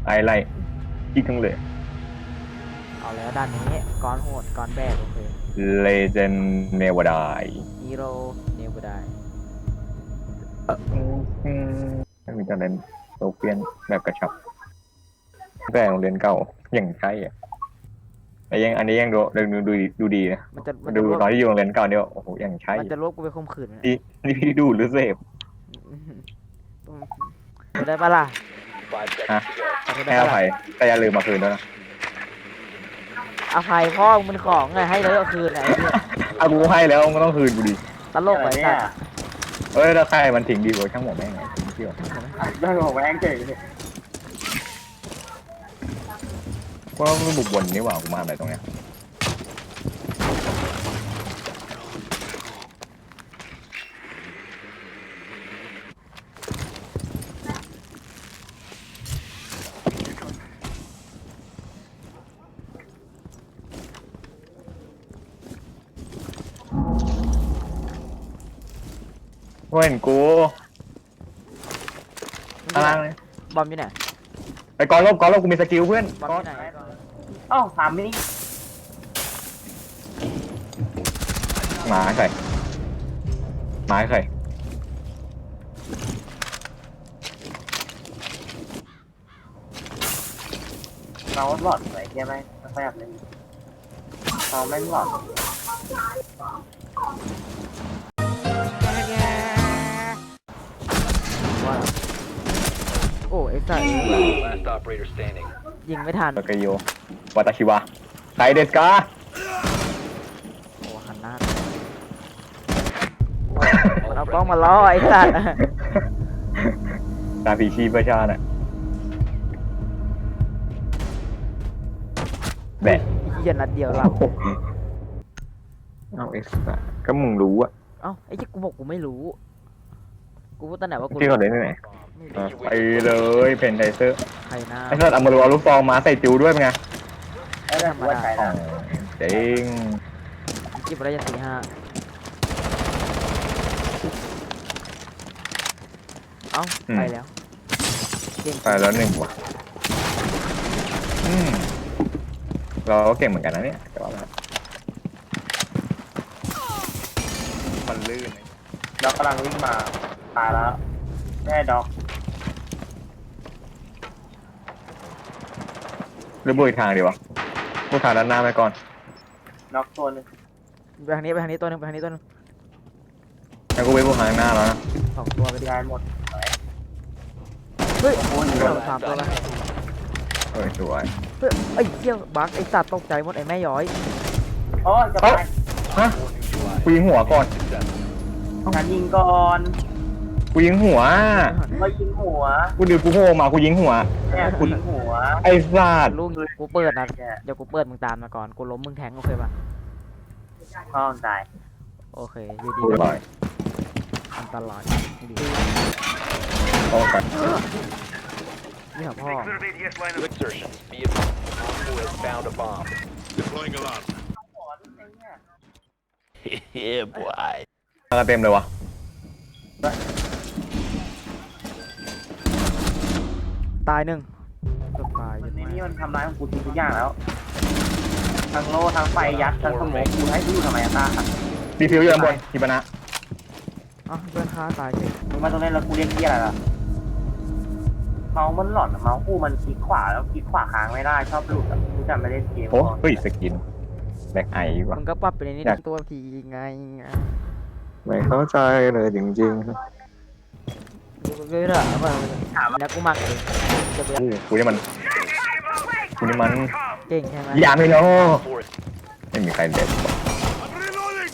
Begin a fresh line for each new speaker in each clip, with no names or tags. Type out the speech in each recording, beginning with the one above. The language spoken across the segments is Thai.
ไอไลท์อีกทั้งเลย
เอาแล้วด้านนี้ก้อนโหดก้อนแบกโอเค
Legend Never Die
ฮีโร่เนวได้
ไม่มีการเล่นโซเฟียนแบบกระชับแต่โรงเรียนเก่าอย่างใช่อ่ะแต่ยังอันนี้ยังดูดีนะ
มัน
ดู
จะรวบ
ตอนที่อยู่โรงเรียนเก่าเนี่ยโอ้โหอย่างใช่
มันจะรวบกูไปข่มขืน
นี่พี่ดูหรือเสพ
จะได้ปะล่ะ
ฮะ
จะ
ให้
ได้
อ
ปะ
ภั
ล่ะ
ยแต่อย่าลืมมาคืนด้วยนะ
อภัยพ่อมึงของไงให้แล้วก็คืนไอ้เนี่ย
เอากูให้แล้วมันต้องคืนกูดิ
ตลกไปสัตว์
เอ้ยถ้าใครมันทิ้งดีกว่าช่างหมดแม่งไงทิ้งเที่ยว
ได้บอกแม่งเจ๋งเลย
ว่ามันบุกบนนี่หว่ากูมาอะไรตรงเนี้ยเห็นกูข้างล่างเลย
บอมอยู่ไหน
ไปก่อนลบกูมีสกิลเพื่อน
บอมอยู่ไหน
อ้าวถามมินิ
หมาใครหมาใคร
เราหลอดไหนเทียไหมไม่ค่อยอยากเล่นเราแม่งหลอด
ว่าโอ้ไอ้สัตว์
Last operator standing.
ยิงไม่ทัน
โตเกียววาตาชิวะไคเดสกา
โอ้หันหน้ามันเอากล้องมาล้อไอ้สัตว์
ตาผีชีพประชาน่ะแบะ
เหี้ยนัดเดียวหลับ
เอาเอ็กซ์ก็มึงรู้อะ
เอ้าไอ้ที่กูบอกกูไม่รู้ กูพูดตั้งแต่ว่ากู
ที่เขาเล่นที่ไหน
ไม่รู้
ไปเลยเพนไทเซอร์
ใครหน้า
ไอ้สัตว์เอามาดูเอาลูกซองมาใส่จิวด้วยเป็นไง
แล้วแต่ว่าใช้
อ๋อ
นะ
เจ๋ง
จิบอะไรจะ4-5เอ้าไปแล้วเก่ง
ไปแล้วหนึ่งว่ะเราก็เก่งเหมือนกันนะเนี่ยแต่ว่ามันลื่น
ด็อกกำลังวิ่งมาตายแล้วแม่ด็อก
หรือบุยทางดีวะบุยทางด้านหน้าไปก่อน
ด็อกตัวนึง
ไปทางนี้ไปทางนี้ตัวหนึงไปทางนี้ตัวหนึง
แล้วกูไปบุยทางหน้าแล้วนะ
2 ตัวไปดิ
ยายหมด
เฮ้ย
โอ้ย
3 ตัวแล้ว
เฮ้ยสวย
เฮ้ยไอ้เหี้ยบักไอ้สัตว์ตกใจหมดไอ้แม่ย้อย
โอ้ยจะไป
ฮะกูยิงหัวก่อน
ฉันยิงก่อน
กูยิงหัว
ก็ยิงหัว
กูดูกูโผล่มากูยิงหัว
เนี่ยกูยิงหัว
ไอ้สัตว์
ลูกกูเปิดนะเดี๋ยวกูเปิดมึงตามมาก่อนกูล้มมึงแทงโอเคป่ะ
ห้องตาย
โอเคอยู่ดี
กูลอย
อันตรายดี
โอ้กัน
นี่เหรอพ่อ
New insertion. Be advised. Op 4 has found a bomb.
Deploying alarm.
Yeah, boy.
มากันเต็มเลยวะ
ตายหนึ่งเกือบตาย
ในนี้มันทำร้ายของกูทุกอย่างแล้วทั้งโล่ทั้งไฟยัดทั้งสมองกูให้กูอยู่ทำไมอะตา
ดีฟิวอยู่ด้านบนฮิบานะ
อ้าวเพื่อนค้าตายเฉย
มึงมาตรงนี้แล้วกูเรียกเหี้ยอะไรล่ะเมาส์มันหลอนอะเมาส์กูมันคลิกขวาแล้วคลิกขวาค้างไม่ได้ชอบหลุดอ่ะกูจำไม่ได้เกม
โอ้เฮ้ยสกินแบล็กไอวะ
มึงก็ปรับไปในนี้
อยาก
ตัวทีไง
ไม่เข้าใจเลยจริง
กูเลยเหรอแล้วกูมักเองจะเบื่อ
ๆกูนี่มัน
เก่งใช่ไหม
อย่าไม่โน
4
ไม่มีใครเด็ด
I'm reloading.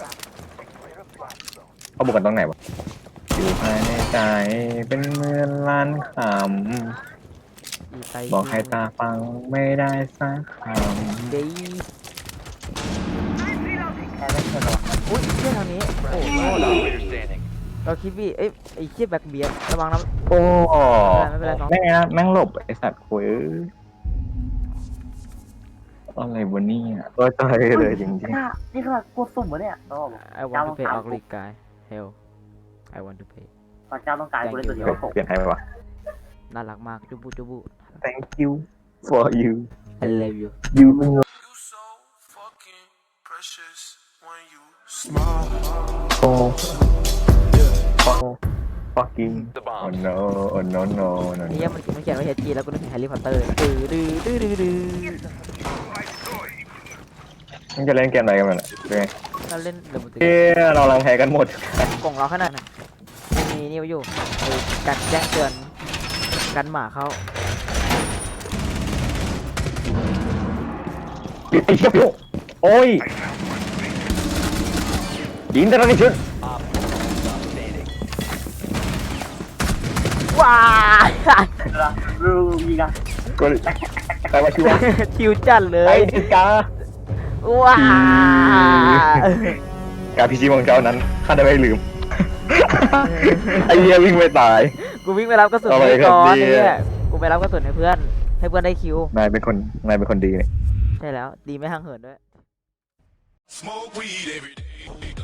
เขาบุกกันตรงไหนวะอยู่ภายในใจเป็นเหมือนล้านค
อีไต
ำบอกให้ตาฟังไม่ได้สักค
ดี
แค่ไม่เคยหรอก
อุ้ยเชี่ยทางนี้โอ้โห
Last operator standing.
เราคิดว่าเอ้ยไอ้เชี่ยแบ็คเบียร์ระวังนะ
ำโอ้
ไม่เป็นไรน้อง
แม่งนะแม่งหลบไอสัตว์คุยอะไรวะเนี่ยก็ใจเลยจริง
นี่ขนาดกูสุ่มวะเนี่ยโอ้
ไอวอนทูเพย์ออกลีกายเฮลไอวอนทูเพย์
พระเจ้าต้องการกูเล่นตัวเดียว
ๆเปลี่ยนให้ไหมวะ
น่ารักมากจุบุจุบุ
thank you for you
I love you
you
You so fucking precious when you smile.
oh fucking
The
oh
bomb.
no oh no no no
นี่มันเขียนว่า HG แล้วกูนึกถึงแฮร์รี่พอตเตอร์ดื้อ
มันจะเล่นเกมอะไรกันมันอ่ะเป็นไง
เราเล่นเดมอน
เอ้ยเราลังแพ้กันหมด
กล่องเราขนาดไหนมีนี่อยู่การแจ้งเตือนกันหมาเข้า
ไอ้เชี่ยพี่โอ้ยยิงแต่ละนิดชุด
Op 4 stop standing.
ว้าย
รูวีกัน
ก็ใครมาช่วย
ทิวจัดเล
ไอ้
ย
ดิสกา
ว้า
การพิชิตของเจ้านั้นข้าได้ไม่ลืม ไอ้เหี้ยวิ่งไม่ตาย
กูวิ่งไปรับกระสุน
อะไร
ให้
ครับ
ก่อน
เนี่ย
เนี่ยกูไปรับกระสุนให้เพื่อนได้คิวน
ายเป็นคนดีเนี่ย
ใช่แล้วดีไม่ห่างเหินด้วย
Smoke weed every day.